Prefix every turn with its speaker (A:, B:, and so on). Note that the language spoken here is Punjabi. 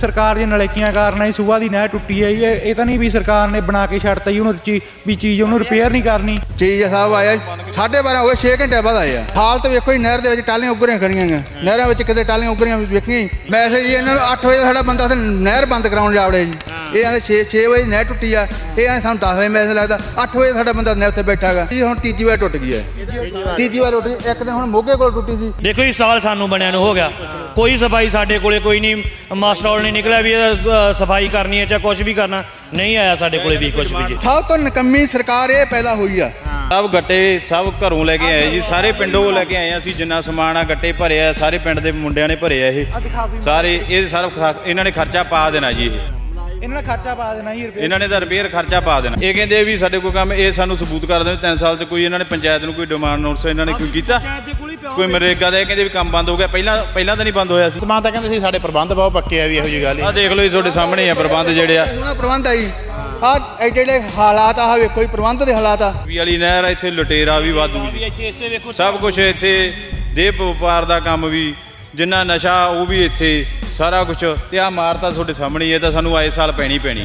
A: ਸਰਕਾਰ ਦੀਆਂ ਨਲੇਕੀਆਂ ਕਾਰਨ ਹੀ ਸੂਬਾ ਦੀ ਨਹਿਰ ਟੁੱਟੀ ਹੈ ਜੀ। ਇਹ ਤਾਂ ਨਹੀਂ ਵੀ ਸਰਕਾਰ ਨੇ ਬਣਾ ਕੇ ਛੱਡਤਾ ਜੀ ਉਹਨੂੰ ਵੀ ਚੀਜ਼ ਉਹਨੂੰ ਰਿਪੇਅਰ ਨਹੀਂ ਕਰਨੀ।
B: ਚੀਜ਼ ਸਾਹਿਬ ਆਇਆ 12:30 ਹੋ ਗਏ 6 ਘੰਟੇ ਬਾਅਦ ਆਏ ਆ। ਹਾਲਤ ਵੇਖੋ ਜੀ, ਨਹਿਰ ਦੇ ਵਿੱਚ ਟਾਲੀਆਂ ਉੱਗਰੀਆਂ ਖੜੀਆਂ ਗਈਆਂ, ਨਹਿਰਾਂ ਵਿੱਚ ਕਿਤੇ ਟਾਲੀਆਂ ਉੱਗਰੀਆਂ ਵੇਖੀਆਂ ਜੀ। ਮੈਸੇਜ ਜੀ ਇਹਨਾਂ ਨੂੰ 8 ਵਜੇ ਸਾਡਾ ਬੰਦਾ ਉੱਥੇ ਨਹਿਰ ਬੰਦ ਕਰਾਉਣ ਜਾਵੜੇ ਜੀ। ਇਹ ਆਂਦੇ 6 ਵਜੇ ਨਹਿਰ ਟੁੱਟੀ ਆ, ਇਹ ਆਂਦੇ ਸਾਨੂੰ 10 ਵਜੇ ਮੈਸੇਜ ਲੱਗਦਾ, 8 ਵਜੇ ਸਾਡਾ ਬੰਦਾ ਨਹਿਰ ਉੱਤੇ ਬੈਠਾ ਹੈਗਾ ਜੀ। ਹੁਣ ਤੀਜੀ ਵਾਰ ਟੁੱਟ ਗਈ ਹੈ, ਤੀਜੀ ਵਾਰ ਟੁੱਟ ਗਈ। ਇੱਕ ਦਿਨ ਹੁਣ ਮੋਗੇ ਕੋਲ ਟੁੱਟੀ ਸੀ।
C: ਦੇਖੋ ਜੀ ਸਾਲ ਸਾਨੂੰ ਬਣਿਆ ਨੂੰ ਹੋ ਗਿਆ, ਕੋਈ ਸਫਾਈ ਸਾਡੇ ਕੋਲੇ ਕੋਈ ਨਹੀਂ, ਮਾਸਟਰ ਨਹੀਂ ਨਿਕਲਿਆ ਵੀ ਸਫਾਈ ਕਰਨੀ ਹੈ ਚਾਹੇ ਕੁਝ ਵੀ ਕਰਨਾ, ਨਹੀਂ ਆਇਆ ਸਾਡੇ ਕੋਲੇ ਵੀ ਕੁਝ ਵੀ।
B: ਸਭ ਤੋਂ ਨਿਕੰਮੀ ਸਰਕਾਰ ਇਹ ਪੈਦਾ ਹੋਈ ਆ।
D: ਸਭ ਗੱਟੇ ਸਭ ਘਰੋਂ ਲੈ ਕੇ ਆਏ ਜੀ, ਸਾਰੇ ਪਿੰਡੋਂ ਲੈ ਕੇ ਆਏ ਆ ਅਸੀਂ। ਜਿੰਨਾ ਸਮਾਨ ਆ ਗੱਟੇ ਭਰੇ ਆ, ਸਾਰੇ ਪਿੰਡ ਦੇ ਮੁੰਡਿਆਂ ਨੇ ਭਰੇ ਆ। ਇਹ ਸਾਰੇ ਇਹ ਸਾਰਾ ਇਹਨਾਂ ਨੇ ਖਰਚਾ ਪਾ ਦੇਣਾ ਜੀ।
A: ਇਹਨਾਂ ਨੇ ਖਰਚਾ ਪਾ ਦੇਣਾ ਜੀ,
D: ਇਹਨਾਂ ਨੇ ਤਾਂ ਰਿਪੇਅਰ ਖਰਚਾ ਪਾ ਦੇਣਾ। ਇਹ ਕਹਿੰਦੇ ਵੀ ਸਾਡੇ ਕੋਲ ਕੰਮ, ਇਹ ਸਾਨੂੰ ਸਬੂਤ ਕਰ ਦੇਣ 3 ਸਾਲ 'ਚ ਕੋਈ ਇਹਨਾਂ ਨੇ ਪੰਚਾਇਤ ਨੂੰ ਕੋਈ ਡਿਮਾਂਡ ਨੋਟਿਸ ਇਹਨਾਂ ਨੇ ਕੋਈ ਕੀਤਾ, ਕੋਈ ਮਨਰੇਗਾ ਦਾ। ਇਹ ਕਹਿੰਦੇ ਵੀ ਕੰਮ ਬੰਦ ਹੋ ਗਿਆ, ਪਹਿਲਾਂ ਤਾਂ ਨਹੀਂ ਬੰਦ ਹੋਇਆ ਸੀ।
E: ਸਮਾਂ ਤਾਂ ਕਹਿੰਦੇ ਸੀ ਸਾਡੇ ਪ੍ਰਬੰਧ ਬਹੁਤ ਪੱਕੇ ਆ ਵੀ ਇਹੋ ਜਿਹੀ ਗੱਲ
D: ਆਹ ਦੇਖ ਲਓ ਜੀ, ਤੁਹਾਡੇ ਸਾਹਮਣੇ ਆ ਪ੍ਰਬੰਧ ਜਿਹੜੇ ਆ।
B: ਸੋਹਣਾ ਪ੍ਰਬੰਧ ਆ ਜੀ। ਆਹ ਜਿਹੜੇ ਹਾਲਾਤ ਆ ਵੇਖੋ ਜੀ, ਪ੍ਰਬੰਧ ਦੇ ਹਾਲਾਤ ਆ।
D: ਵੀ ਵਾਲੀ ਨਹਿਰ ਇੱਥੇ ਲੁਟੇਰਾ ਵੀ ਵਾਧੂ ਜੀ, ਸਭ ਕੁਝ ਇੱਥੇ ਦੇਹ ਵਪਾਰ ਦਾ ਕੰਮ ਵੀ, ਜਿੰਨਾ ਨਸ਼ਾ ਉਹ ਵੀ ਇੱਥੇ ਸਾਰਾ ਕੁਝ। ਤੇ ਆਹ ਮਾਰ ਤਾਂ ਤੁਹਾਡੇ ਸਾਹਮਣੇ ਹੀ ਹੈ, ਤਾਂ ਸਾਨੂੰ ਆਏ ਸਾਲ ਪੈਣੀ।